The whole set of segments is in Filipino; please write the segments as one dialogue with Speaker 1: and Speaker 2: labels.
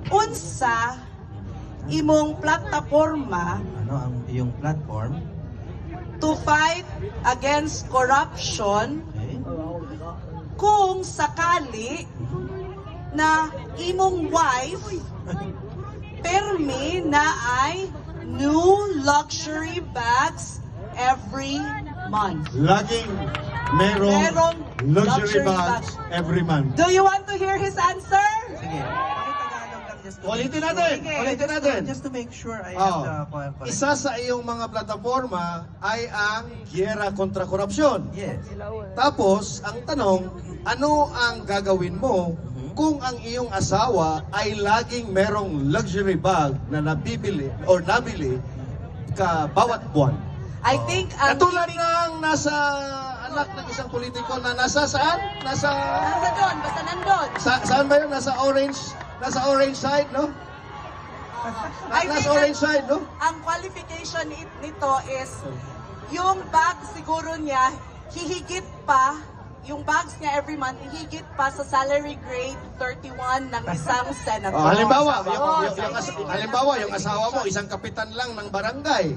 Speaker 1: unsa imong plataporma
Speaker 2: Ano ang iyong platform?
Speaker 1: to fight against corruption
Speaker 2: Okay.
Speaker 1: kung sakali na imong wife permi na ay new luxury bags every month?
Speaker 3: Laging merong
Speaker 1: Merong
Speaker 3: luxury
Speaker 1: luxury
Speaker 3: bags every month.
Speaker 1: Do you want to hear his answer?
Speaker 2: Sige. Pakitagalog lang just to
Speaker 3: Ulitin
Speaker 2: make
Speaker 3: natin!
Speaker 1: Sige.
Speaker 3: Ulitin natin!
Speaker 2: Just to make sure I
Speaker 3: Oh.
Speaker 2: have the correct.
Speaker 3: Isa sa iyong mga plataforma ay ang Giyera kontra Korupsyon.
Speaker 2: Yes.
Speaker 3: Tapos, ang tanong, ano ang gagawin mo kung ang iyong asawa ay laging merong luxury bag na nabibili or nabili ka bawat buwan?
Speaker 1: I think ang
Speaker 3: Katulad ng nasa anak ng isang politiko na nasa saan? Nasa
Speaker 1: doon, basta nandun.
Speaker 3: saan ba yun? Nasa orange side, no?
Speaker 1: I think
Speaker 3: Nasa orange side, no?
Speaker 1: ang qualification nito is yung bag siguro niya hihigit pa, yung bags niya every month hihigit pa sa salary grade 31 ng isang senator.
Speaker 3: Oh, halimbawa,
Speaker 1: Oh,
Speaker 3: halimbawa, yung asawa mo, isang kapitan lang ng barangay.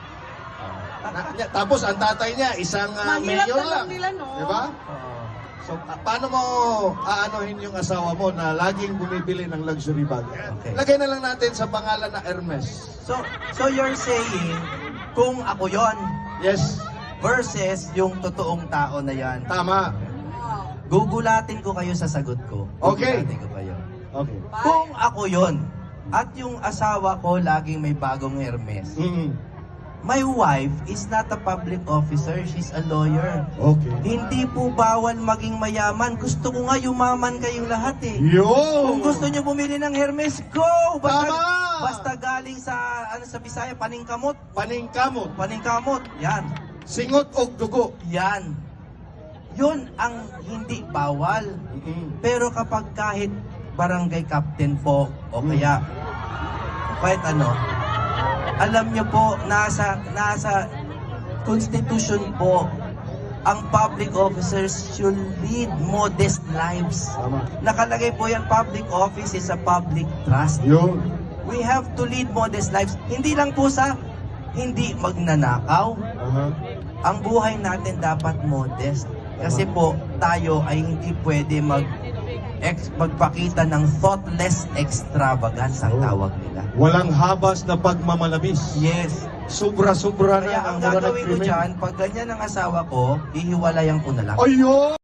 Speaker 3: Tapos ang tatay niya, isang
Speaker 1: Mahirap
Speaker 3: mayor
Speaker 1: na lang
Speaker 3: lang.
Speaker 1: nila, no?
Speaker 3: Di ba?
Speaker 2: Oo.
Speaker 3: So, paano mo aanohin yung asawa mo na laging bumibili ng luxury bag?
Speaker 2: Okay.
Speaker 3: Lagay na lang natin sa pangalan na Hermes.
Speaker 2: So you're saying, kung ako yon
Speaker 3: Yes,
Speaker 2: versus yung totoong tao na yan,
Speaker 3: tama.
Speaker 2: gugulatin ko kayo sa sagot ko.
Speaker 3: Okay.
Speaker 2: Gugulatin ko kayo.
Speaker 3: Okay.
Speaker 2: Kung ako yon at yung asawa ko laging may bagong Hermes, my wife is not a public officer, she's a lawyer.
Speaker 3: Okay.
Speaker 2: Hindi po bawal maging mayaman. Gusto ko nga yumaman kayong lahat eh.
Speaker 3: Yo!
Speaker 2: Kung gusto nyo bumili ng Hermes, go!
Speaker 3: Tama!
Speaker 2: Basta galing sa, sa Bisaya, paningkamot.
Speaker 3: Paningkamot,
Speaker 2: Paningkamot, yan.
Speaker 3: singot og dugo.
Speaker 2: Yan. Yun ang hindi bawal. Pero kapag kahit barangay captain po, o kaya kahit ano, alam niyo po, nasa constitution po, ang public officers should lead modest lives.
Speaker 3: Tama.
Speaker 2: Nakalagay po yan, public office is a public trust.
Speaker 3: Yun.
Speaker 2: We have to lead modest lives. Hindi lang po sa hindi magnanakaw. Ang buhay natin dapat modest. Kasi po, tayo ay hindi pwede magpakita ng thoughtless extravagance ang tawag nila.
Speaker 3: Walang habas na pagmamalabis.
Speaker 2: Yes.
Speaker 3: Sobra-sobra na
Speaker 2: Kaya ang
Speaker 3: mura ng
Speaker 2: gagawin ko
Speaker 3: krimen.
Speaker 2: dyan, pag ganyan ang asawa ko, hihiwalayan ko na lang.
Speaker 3: Ayun!